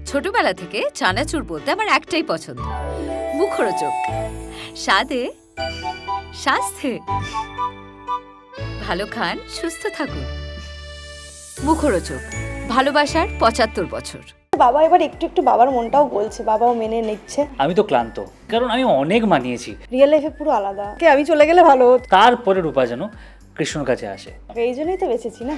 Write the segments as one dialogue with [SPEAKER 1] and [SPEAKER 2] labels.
[SPEAKER 1] ছোটবেলা থেকে চানাচুর বলতে আমার একটাই পছন্দ, মুখরোচক, স্বাদে স্বাস্থ্যে। ভালো খান, সুস্থ থাকুন। মুখরোচক, ভালোবাসার ৭৫ বছর।
[SPEAKER 2] বাবা এবার একটু একটু বাবার মনটাও বলছে, বাবাও মেনে নিচ্ছে।
[SPEAKER 3] আমি তো ক্লান্ত, কারণ আমি অনেক মানিয়েছি।
[SPEAKER 2] রিয়েল লাইফে পুরো আলাদা, আমি চলে গেলে ভালো হতো।
[SPEAKER 3] তারপরে রূপা যেন কৃষ্ণর কাছে আসে।
[SPEAKER 2] এই জন্যই তো বেঁচেছি না।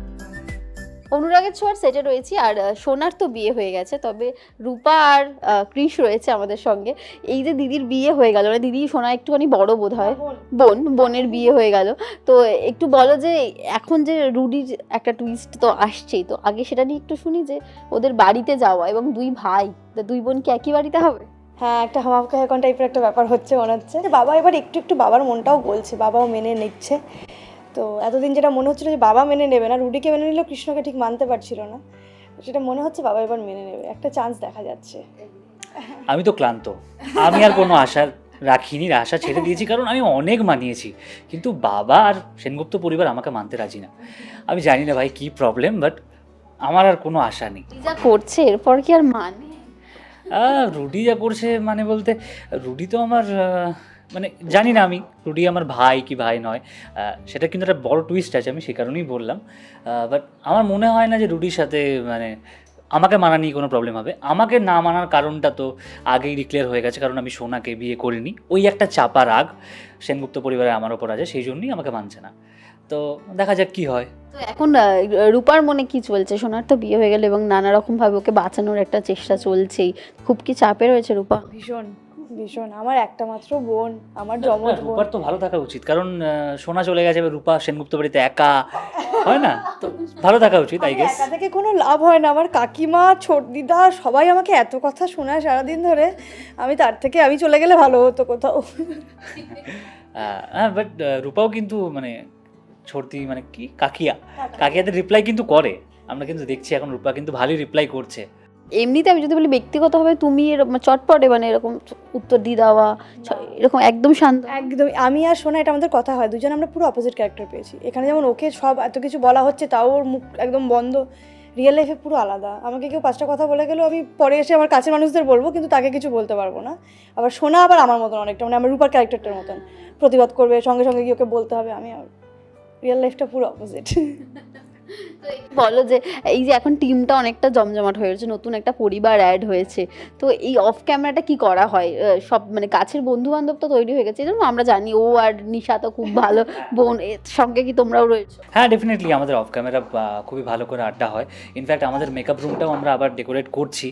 [SPEAKER 4] অনুরাগের ছোঁয়ার সেটে রয়েছি, আর সোনার তো বিয়ে হয়ে গেছে, তবে রূপা আর কৃষ রয়েছে আমাদের সঙ্গে। এই যে দিদির বিয়ে হয়ে গেল, মানে দিদি সোনা একটুখানি বড় বোধ হয়, বোনের বিয়ে হয়ে গেল, তো একটু বলো যে এখন যে রুডির একটা টুইস্ট তো আসছেই, তো আগে সেটা নিয়ে একটু শুনি যে ওদের বাড়িতে যাওয়া এবং দুই ভাই, দুই বোন কি একই বাড়িতে হবে?
[SPEAKER 2] হ্যাঁ, একটা হামাকা এখন টাইপের একটা ব্যাপার হচ্ছে মনে হচ্ছে। বাবা এবার একটু একটু বাবার মনটাও বলছে, বাবাও মেনে নিচ্ছে। তো এতদিন যেটা মনে হচ্ছিল যে বাবা মেনে নেবে না, রুডিকে মেনে নিলেও কৃষ্ণকে ঠিক মানতে পারছিল না, সেটা মনে হচ্ছে বাবা এবার মেনে নেবে, একটা চান্স দেখা যাচ্ছে।
[SPEAKER 3] আমি তো ক্লান্ত, আমি আর কোনো আশা রাখিনি, আশা ছেড়ে দিয়েছি, কারণ আমি অনেক মানিয়েছি। কিন্তু বাবা আর সেনগুপ্ত পরিবার আমাকে মানতে রাজি না। আমি জানি না ভাই কি প্রবলেম, বাট আমার আর কোনো আশা নেই।
[SPEAKER 4] যা করছে এরপর কি আর মানে?
[SPEAKER 3] রুডি যা করছে মানে বলতে, রুডি তো আমার মানে জানি না আমি রুডি আমার ভাই কি ভাই নয়, সেটা কিন্তু একটা বড় টুইস্ট আছে, আমি সে কারণেই বললাম। বাট আমার মনে হয় না যে রুডির সাথে মানে আমাকে মানা নিয়ে কোনো প্রবলেম হবে। আমাকে না মানার কারণটা তো আগেই ডিক্লেয়ার হয়ে গেছে, কারণ আমি সোনাকে বিয়ে করিনি। ওই একটা চাপা রাগ সেনগুপ্ত পরিবারে আমার ওপর আছে, সেই জন্যই আমাকে মানছে না। তো দেখা যাক কি হয়।
[SPEAKER 4] তো এখন রূপার মনে কি চলছে? সোনার তো বিয়ে হয়ে গেল এবং নানা রকম ভাবে ওকে বাঁচানোর একটা চেষ্টা চলছেই, খুব কি চাপে রয়েছে রূপা?
[SPEAKER 2] ভীষণ ভীষণ, আমার একটা মাত্র বোন, আমার জমজ বোন।
[SPEAKER 3] রূপার তো ভালো থাকা উচিত, কারণ সোনা চলে গেছে, এবার রূপা সেনগুপ্ত বাড়িতে একা, হয় না? তো ভালো থাকা উচিত, আই গেস।
[SPEAKER 2] একা থেকে কোনো লাভ হয় না, আমার কাকিমা, ছোট দিদা সবাই আমাকে এত কথা শোনায় সারাদিন ধরে, আমি তার থেকে আমি চলে গেলে ভালো হতো কোথাও।
[SPEAKER 3] হ্যাঁ, বাট রূপাও কিন্তু মানে ছোটদি মানে কি কাকিয়াদের রিপ্লাই কিন্তু করে, আমরা কিন্তু দেখছি এখন রূপা কিন্তু ভালোই রিপ্লাই করছে।
[SPEAKER 4] এমনিতে আমি যদি বলি ব্যক্তিগতভাবে তুমি এরকম চটপটে মানে এরকম উত্তর দিয়ে দেওয়া, এরকম একদম শান্ত?
[SPEAKER 2] একদম, আমি আর শোনা এটা আমাদের কথা হয়, দুজন আমরা পুরো অপোজিট ক্যারেক্টার পেয়েছি। এখানে যেমন ওকে সব এত কিছু বলা হচ্ছে, তাও ওর মুখ একদম বন্ধ। রিয়েল লাইফে পুরো আলাদা, আমাকে কেউ 5টা কথা বলে গেলেও আমি পরে এসে আমার কাছের মানুষদের বলবো, কিন্তু তাকে কিছু বলতে পারবো না। আবার শোনা আবার আমার মতন অনেকটা, মানে আমার রূপার ক্যারেক্টারটার মতন প্রতিবাদ করবে, সঙ্গে সঙ্গে গিয়ে ওকে বলতে হবে। আমি রিয়েল লাইফটা পুরো অপোজিট।
[SPEAKER 4] বলো যে এই যে এখন টিমটা অনেকটা জমজমাট হয়েছে, নতুন একটা পরিবার অ্যাড হয়েছে, তো এই অফ ক্যামেরাটা কি করা হয়? সব মানে কাছের বন্ধু বান্ধব তো তৈরি হয়ে গেছে, এই জন্য আমরা জানি ও আর নিশা তো খুব ভালো বোন, এর সঙ্গে কি তোমরাও রয়েছো?
[SPEAKER 3] হ্যাঁ, ডেফিনেটলি আমাদের অফ ক্যামেরা খুবই ভালো করে আড্ডা হয়। ইনফ্যাক্ট আমাদের মেকআপ রুমটাও আমরা আবার ডেকোরেট করছি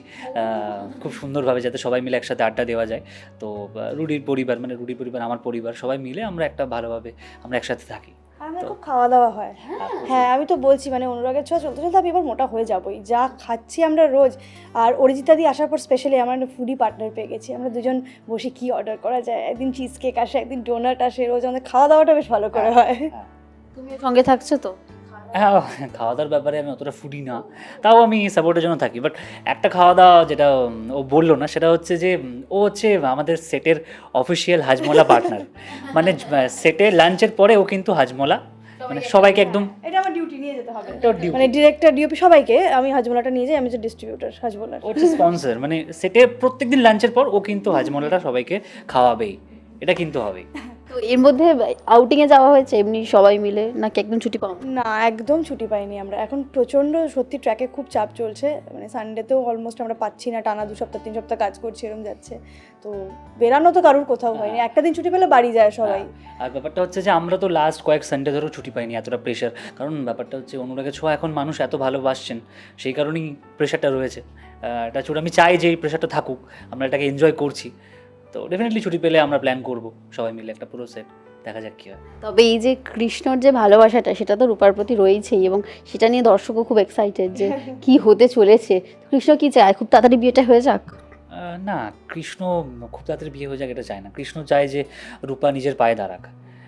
[SPEAKER 3] খুব সুন্দরভাবে, যাতে সবাই মিলে একসাথে আড্ডা দেওয়া যায়। তো রুডির পরিবার মানে রুডির পরিবার, আমার পরিবার, সবাই মিলে আমরা একটা ভালোভাবে আমরা একসাথে থাকি।
[SPEAKER 2] আমার খুব খাওয়া দাওয়া হয়। হ্যাঁ, আমি তো বলছি মানে অনুরাগের ছোঁয়া চলতে চলতে আমি এবার মোটা হয়ে যাবোই, যা খাচ্ছি আমরা রোজ। আর অরিজিতা দি আসার পর স্পেশালি আমার একটা ফুডি পার্টনার পেয়ে গেছি, আমরা দুজন বসে কি অর্ডার করা যায়, একদিন চিজ কেক আসে, একদিন ডোনাট আসে, রোজ আমাদের খাওয়া দাওয়াটা বেশ ভালো করে হয়।
[SPEAKER 4] তুমি সঙ্গে থাকছো তো?
[SPEAKER 3] হ্যাঁ, খাওয়া দাওয়ার ব্যাপারে আমি অতটা ফুডি না, তাও আমি সাপোর্টের জন্য থাকি। বাট একটা খাওয়া দাওয়া যেটা ও বললো না, সেটা হচ্ছে যে ও হচ্ছে আমাদের সেটের অফিসিয়াল হাজমোলা পার্টনার। মানে সেটে লাঞ্চের পরে ও কিন্তু হাজমোলা মানে সবাইকে একদম,
[SPEAKER 2] এটা আমার ডিউটি নিয়ে যেতে হবে,
[SPEAKER 3] এটা ওর duty।
[SPEAKER 2] মানে ডিরেক্টর ডিওপি সবাইকে আমি হাজমোলাটা নিয়ে যাই, আমি যে ডিস্ট্রিবিউটর হাজমোলার।
[SPEAKER 3] ও হচ্ছে স্পন্সর, মানে সেটে প্রত্যেকদিন লাঞ্চের পর ও কিন্তু হাজমোলাটা সবাইকে খাওয়াবেই, এটা কিন্তু হবেই।
[SPEAKER 4] তো এর মধ্যে আউটিংয়ে যাওয়া হয়েছে এমনি সবাই মিলে, নাকি একদম ছুটি পাও?
[SPEAKER 2] না, একদম ছুটি পাইনি আমরা, এখন প্রচণ্ড সত্যি ট্র্যাকে খুব চাপ চলছে, মানে সানডেতেও অলমোস্ট আমরা পাচ্ছি না, টানা 2 সপ্তাহ 3 সপ্তাহ কাজ করছি, এরকম যাচ্ছে। তো বেরানো তো কারোর কোথাও হয়নি, একটা দিন ছুটি পেলে বাড়ি যায় সবাই।
[SPEAKER 3] আর ব্যাপারটা হচ্ছে যে আমরা তো লাস্ট কয়েক সানডে ধরেও ছুটি পাইনি, এতটা প্রেশার। কারণ ব্যাপারটা হচ্ছে অনুরাগের ছোঁয়া এখন মানুষ এত ভালোবাসছেন, সেই কারণেই প্রেশারটা রয়েছে। এটা ছুটি আমি চাই যে এই প্রেশারটা থাকুক, আমরা এটাকে এনজয় করছি। তো ডেফিনেটলি ছুটি পেলে আমরা প্ল্যান করবো সবাই মিলে একটা পুরো সেট, দেখা যাক কী হয়।
[SPEAKER 4] তবে এই যে কৃষ্ণর যে ভালোবাসাটা, সেটা তো রূপার প্রতি রয়েছেই, এবং সেটা নিয়ে দর্শকও খুব এক্সাইটেড যে কি হতে চলেছে। কৃষ্ণ কি চায়? খুব তাড়াতাড়ি বিয়েটা হয়ে যাক?
[SPEAKER 3] না, কৃষ্ণ খুব তাড়াতাড়ি বিয়ে হয়ে যাক এটা চায় না। কৃষ্ণ চায় যে রূপা নিজের পায়ে দাঁড়াক।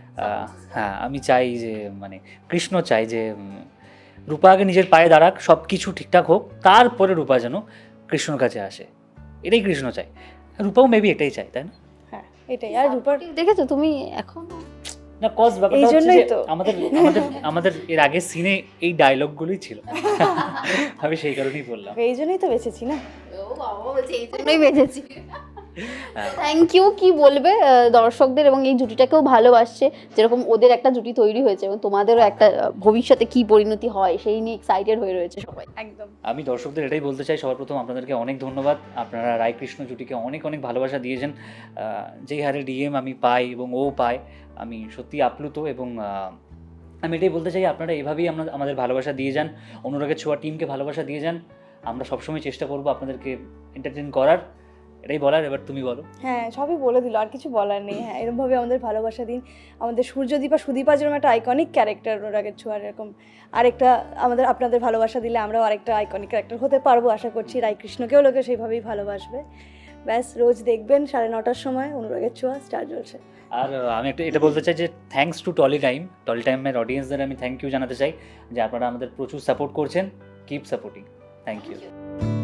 [SPEAKER 3] হ্যাঁ, আমি চাই যে মানে কৃষ্ণ চাই যে রূপা আগে নিজের পায়ে দাঁড়াক, সব কিছু ঠিকঠাক হোক, তারপরে রূপা যেন কৃষ্ণর কাছে আসে, এটাই কৃষ্ণ চায়। রূপাও মেবি এটাই চায়, তাই না?
[SPEAKER 2] হ্যাঁ, এটাই। আর রূপার
[SPEAKER 4] দেখেছো তুমি এখন
[SPEAKER 3] না কজ ব্যাপারটা
[SPEAKER 2] এই
[SPEAKER 3] হচ্ছে
[SPEAKER 2] জন্যই
[SPEAKER 3] যে
[SPEAKER 2] তো।
[SPEAKER 3] আমাদের আমাদের আমাদের এর আগের সিনে এই ডায়লগগুলোই ছিল। আমি সেই কারণেই বললাম।
[SPEAKER 2] এই জন্যই তো বেঁচেছি না।
[SPEAKER 4] ও বাবা বলছে এই জন্যই বেঁচেছি।
[SPEAKER 3] হ্যাঁ।
[SPEAKER 4] থ্যাংক ইউ, কি বলবে দর্শকদের এবং এই জুটিটাকেও ভালোবাসছে, যেরকম ওদের একটা জুটি তৈরি হয়েছে এবং তোমাদেরও একটা ভবিষ্যতে কি পরিণতি হয় সেই নিয়ে এক্সাইটেড হয়ে রয়েছে সবাই।
[SPEAKER 2] একদম।
[SPEAKER 3] আমি দর্শকদের এটাই বলতে চাই, সবার প্রথম আপনাদেরকে অনেক ধন্যবাদ। আপনারা রায়কৃষ্ণ জুটিকে অনেক অনেক ভালোবাসা দিয়েছেন। যেই হারে ডিএম আমি পাই এবং ও পায়, আমি সত্যি আপ্লুত। এবং আমি এটাই বলতে চাই, আপনারা এভাবেই আমাদের ভালোবাসা দিয়ে যান, অনুরাগের ছোঁয়া টিমকে ভালোবাসা দিয়ে যান। আমরা সবসময় চেষ্টা করবো আপনাদেরকে এন্টারটেইন করার। এটাই বলার, এবার তুমি বলো।
[SPEAKER 2] হ্যাঁ, সবই বলে দিল, আর কিছু বলার নেই। হ্যাঁ, এরকমভাবে আমাদের ভালোবাসা দিন। আমাদের সূর্যদীপা সুদীপা যেরকম একটা আইকনিক ক্যারেক্টার অনুরাগের ছোঁয়ার, এরকম আরেকটা আপনাদের ভালোবাসা দিলে আমরাও আরেকটা আইকনিক ক্যারেক্টার হতে পারবো আশা করছি। রায়কৃষ্ণকেও লোকে সেইভাবেই ভালোবাসবে। ব্যাস, রোজ দেখবেন 9:30টার সময় অনুরাগের ছোঁয়া স্টার জলছে।
[SPEAKER 3] আর আমি এটা বলতে চাই যে থ্যাঙ্কস টু টলি টাইমের অডিয়েন্সদের আমি থ্যাংক ইউ জানাতে চাই যে আপনারা আমাদের প্রচুর সাপোর্ট করছেন। Keep supporting. Thank you.